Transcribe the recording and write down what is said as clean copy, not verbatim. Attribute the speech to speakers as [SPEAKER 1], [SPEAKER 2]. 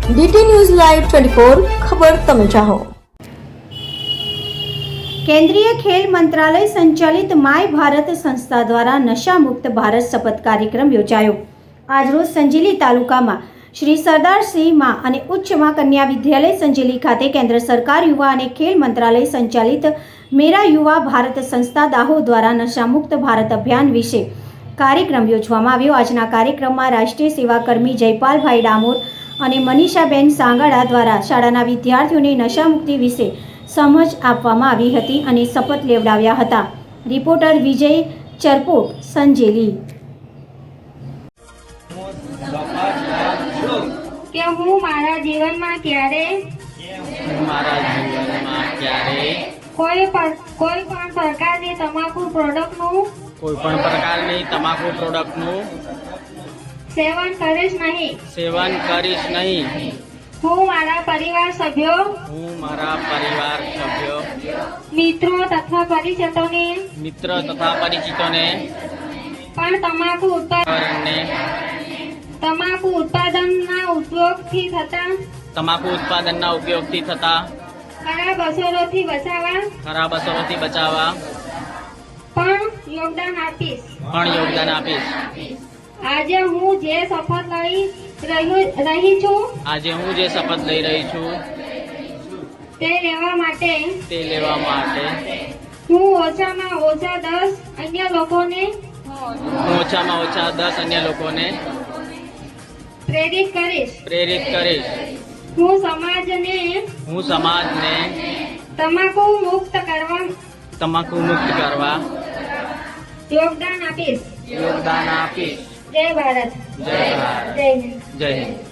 [SPEAKER 1] DT news live 24 ખબર તમે ચાહો।
[SPEAKER 2] केंद्रीय खेल मंत्रालय संचालित माय भारत संस्था द्वारा नशा मुक्त भारत शपथ कार्यक्रम योजायो। आज रोज संजेली तालुका में श्री सरदार सिंह मां अने उच्च मां कन्या विद्यालय संजेली खाते केंद्र सरकार युवा अने खेल मंत्रालय संचालित मेरा युवा भारत संस्था दाहोद द्वारा नशा मुक्त भारत अभियान विषे कार्यक्रम योजवामां आव्यो। आजना कार्यक्रम में राष्ट्रीय सेवाकर्मी जयपाल भाई डामोर अने मनीषाबेन सांगड़ा द्वारा शाळाना विद्यार्थीओने नशा मुक्ति विषे समझ आपवामां आवी हती अने शपथ लेवडाव्या हता। रिपोर्टर विजय चरपोट, संजेली।
[SPEAKER 3] કે હું મારા જીવનમાં ક્યારે કોઈ પણ પ્રકારની તમાકુ પ્રોડક્ટનું સેવન કરીશ નહીં। હું મારા પરિવાર સભ્યો મિત્રો તથા પરિચિતોને પણ તમાકુ ઉત્પાદનના ઉપયોગથી થતા ખરાબ અસરોથી બચાવવા પણ યોગદાન આપીશ। આજે હું જે શપથ લઈ રહી છું તે લેવા માટે હું ઓછામાં ઓછા 10 અન્ય લોકોને પ્રેરિત કરીશ। હું સમાજને તમાકુ મુક્ત કરવા યોગદાન આપીશ। જય ભારત, જય હિન્દ।